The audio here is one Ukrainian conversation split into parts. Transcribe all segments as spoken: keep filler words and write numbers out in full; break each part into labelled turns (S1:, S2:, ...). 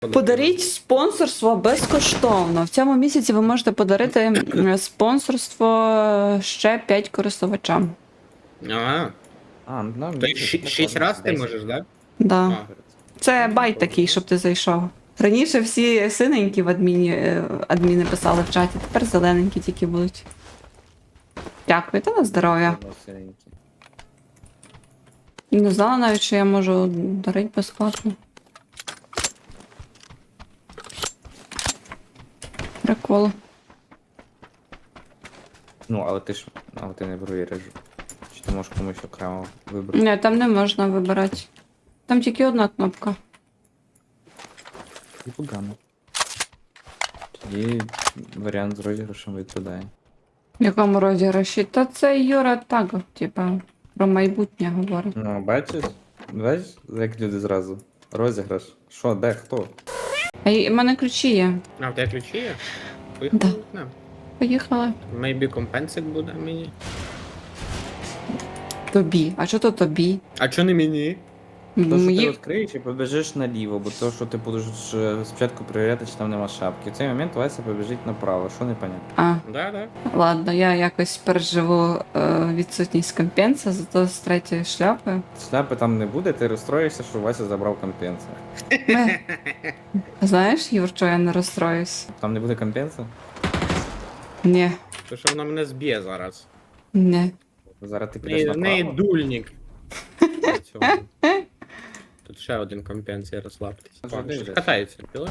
S1: Подаріть спонсорство безкоштовно. В цьому місяці ви можете подарити м, спонсорство ще п'ять користувачам.
S2: А,
S3: А, ну,
S2: то ші- шість раз ти можеш, так?
S1: Да.
S2: А.
S1: Це байт такий, щоб ти зайшов. Раніше всі синенькі в адміні, е, адміни писали в чаті, тепер зелененькі тільки будуть. Дякую, та на здоров'я. Не знала навіть, що я можу дарити безплатно. Прикол.
S3: Ну, але ти ж. Але ти не провіриш. Чи ти можеш комусь окремо вибрати?
S1: Ні, там не можна вибирати. Там тільки одна кнопка.
S3: І погано. Тоді варіант з розіграшем відпадає.
S1: В якому розіграші? Та це Юра так, типа, про майбутнє говорить.
S3: Ну, бачиш? Бачиш, як люди зразу. Розіграш. Що, де, хто?
S1: А й- в мене ключі є.
S2: А, в тебе ключі є?
S1: Да.
S2: Поїхали? Да.
S1: Поїхали.
S2: Maybe компенсик буде мені.
S1: Тобі. А що то тобі?
S2: А чо не мені?
S3: То, що ти
S1: Мої...
S3: відкриєш і побіжиш наліво, бо то, що ти будеш е, спочатку перевіряти, чи там нема шапки. В цей момент Вася побіжить направо, що не понятно.
S1: А,
S2: Да, да.
S1: ладно, я якось переживу е, відсутність компенса, зато з третьої шляпи.
S3: Шляпи там не буде, ти розстроїшся, що Вася забрав компенса.
S1: Ми... Знаєш, Юр, що я не розстроюсь?
S3: Там не буде компенса?
S1: Ні,
S2: То що вона мене зб'є зараз.
S1: ні.
S3: Зараз ти
S2: В
S3: підеш
S2: неї, в неї
S3: направо.
S2: дульник. Цього. Тут ще один компенс, я розслабтесь.
S3: Вже
S2: О,
S3: дивлюсь.
S2: щось катається, піли?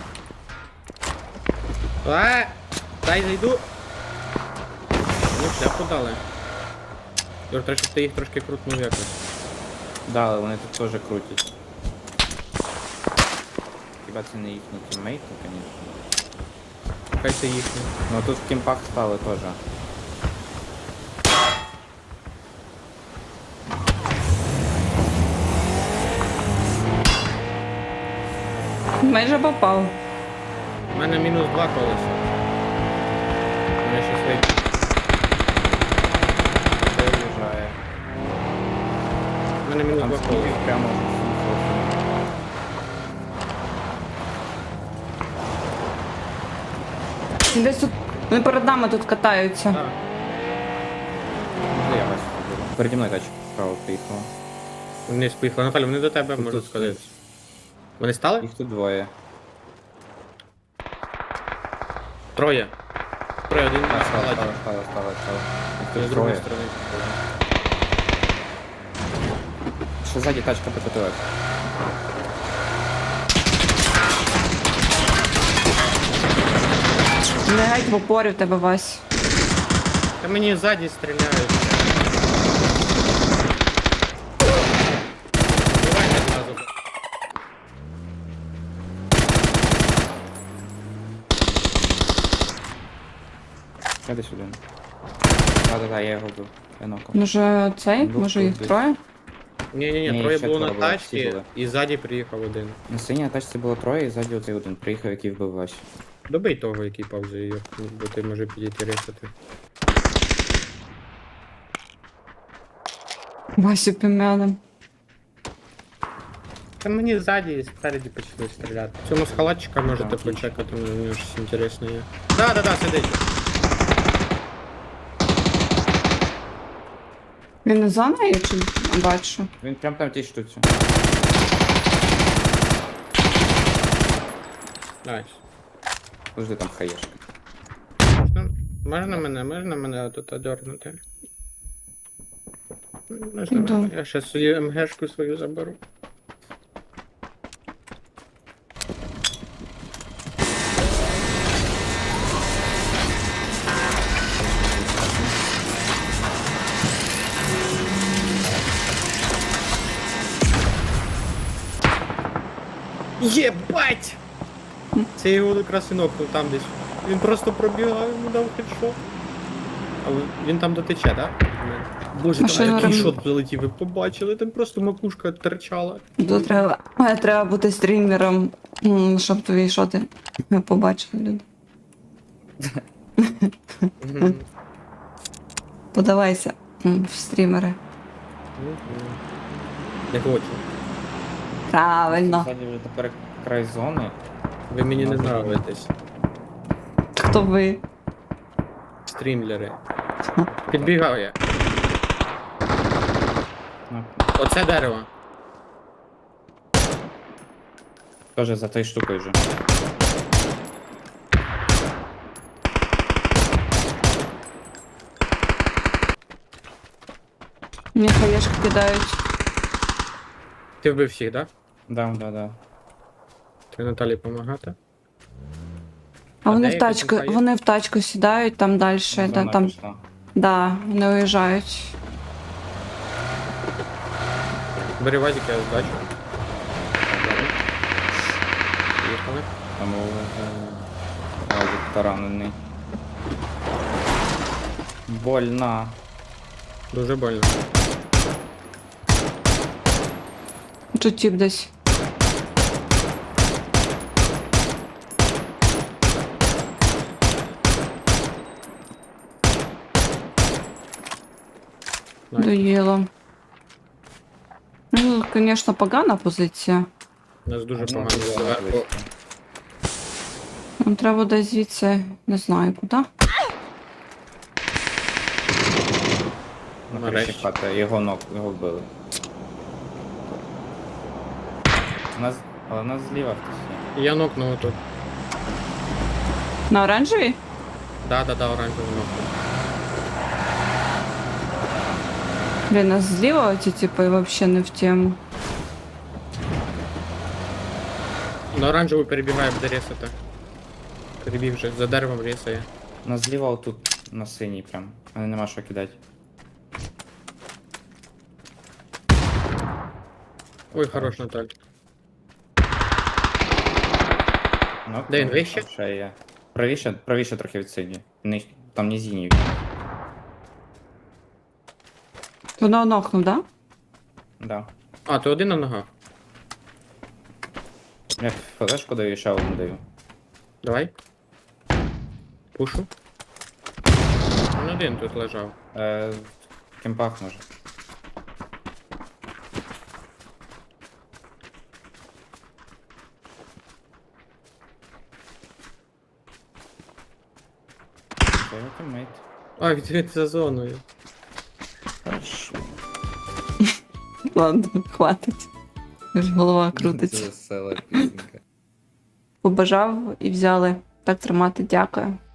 S2: А, дай зайду. Ну, шляпу дали. Юр, треба, щоб ти їх трошки крутнув якось.
S3: Да, але вони тут теж крутять. Хіба це не їхні тіммейти, звісно.
S2: Хай це їхні.
S3: Ну тут в кімпах стали теж.
S1: Майже попав.
S2: У мене мінус два колеса. У мене щось вийде.
S3: Це виїжджає.
S2: У мене мінус
S3: Там
S2: два
S3: скільки
S2: колеса.
S3: прямо сімсот.
S1: Десь тут. Вони перед нами тут катаються.
S2: А,
S3: Де я Вася заберу? Переді мною тачка справа приїхала.
S2: вниз поїхали. Наталя, вони до тебе
S3: Тут
S2: можуть
S3: тут
S2: сказати. Вони стали?
S3: Їх тут двоє.
S2: Троє. Троє, один
S3: А,
S2: на
S3: стало,
S2: складі.
S3: стало, стало, стало, стало. Їх
S2: З
S3: тут
S2: другої
S3: троє.
S2: сторони.
S3: Ще ззаді тачка ПКТО.
S1: Не геть в опорі в тебе, Вась.
S2: Та мені ззаді стріляють. Давай одразу.
S3: Я десь один. Да-да-да, я його вбив. Я нокав.
S1: Може цей?
S3: Ну,
S1: Може їх
S3: тут
S1: троє?
S2: Ні-ні-ні,
S3: Ні,
S2: троє
S3: ще
S2: було на
S3: троє було, всі
S2: тачці,
S3: були.
S2: і ззаді приїхав один.
S3: На синій тачці було троє, і ззаді оцей один. Приїхав, який вбив Васю.
S2: Добий того, який павзує її, бо ти може підійти ресати.
S1: Васю пім'яним.
S2: Та мені ззаді і спереді почали стріляти. Цьому з халатчика можете
S3: Так,
S2: почекати, у нього щось інтересне є. Да-да-да, сидить.
S1: Він не за нею чи бачу?
S3: Він прям там в тій штуці.
S2: Найс.
S3: Завжди там хаєшка.
S2: Можна, можна мене, можна мене тут одернути? Можна
S1: Да.
S2: мене? Я ще свою МГшку свою заберу. Єбать! Це його якраз і нокнув там десь. Він просто пробігав, йому дав хедшот. А ви- він там дотече, так? Да? Боже,
S1: Машина
S2: там який
S1: рем-
S2: шот залетів, ви побачили? Там просто макушка торчала.
S1: Тут треба, е, треба бути стрімером, м, щоб твої шоти побачили люди.
S2: Мгм.
S1: Подавайся м, в стрімери.
S2: Мгм. Я хочу.
S1: Правильно.
S3: Ззаді вже тепер край зони.
S2: Ви мені не
S3: Ну,
S2: нравитесь.
S1: Хто ви?
S2: Стрімлери. Підбігав я.
S3: Ну,
S2: Оце дерево.
S3: Тоже за той штукою вже.
S1: Мені хаєшки кидають.
S2: Ти вбив всіх, так?
S3: Да, да, да.
S2: Ти Наталі помагати?
S1: А
S2: А
S1: вони
S2: де
S1: в
S2: якась
S1: тачку,
S2: інфа є?
S1: вони в тачку сідають, там далі,
S3: Зона
S1: да, там,
S3: пішла.
S1: да, вони уїжджають.
S2: Бери вазик, я здачу. Поїхали.
S3: Там е, Вазик таранений. Больно.
S2: Дуже больно.
S1: Тут тіп десь.
S2: Найс.
S1: Доїло. Ну, звісно, погана позиція.
S2: У нас дуже
S3: Ну,
S2: погано
S3: зона
S2: зверху.
S3: близько.
S1: Нам треба десь звідси, не знаю куди.
S3: На
S2: Нарешті.
S3: криші хати, його ног, його вбили. У нас, але у нас зліва хтось є.
S2: Я нокнув тут.
S1: На оранжевій?
S2: Да, да, да, оранжевий нокнув.
S1: Блін, нас зліва ці типи взагалі не в тему.
S2: На оранжеву перебігає, буде рісати. Перебіг вже, за деревом рісає.
S3: У нас зліва отут, на синій прям. Мене нема що кидати.
S2: Ой, хорош, Наталь.
S3: Ну,
S2: Де він,
S3: там
S2: вище?
S3: Ще є. Правіше, правіше трохи від синій. Ни- Там не зіній.
S1: Воно нокнув, да?
S3: Да.
S2: А, то один на ногах.
S3: Я флешку даю, ще одну даю.
S2: Давай. Пушу. Він один тут лежав.
S3: Е, в кемпах може. Це його тіммейт.
S2: А, він за зоною.
S3: Хорошо.
S1: Ладно, хватить. Аж голова крутиться.
S3: Це весела пісенька.
S1: Побажав і взяли. Так тримати, дякую.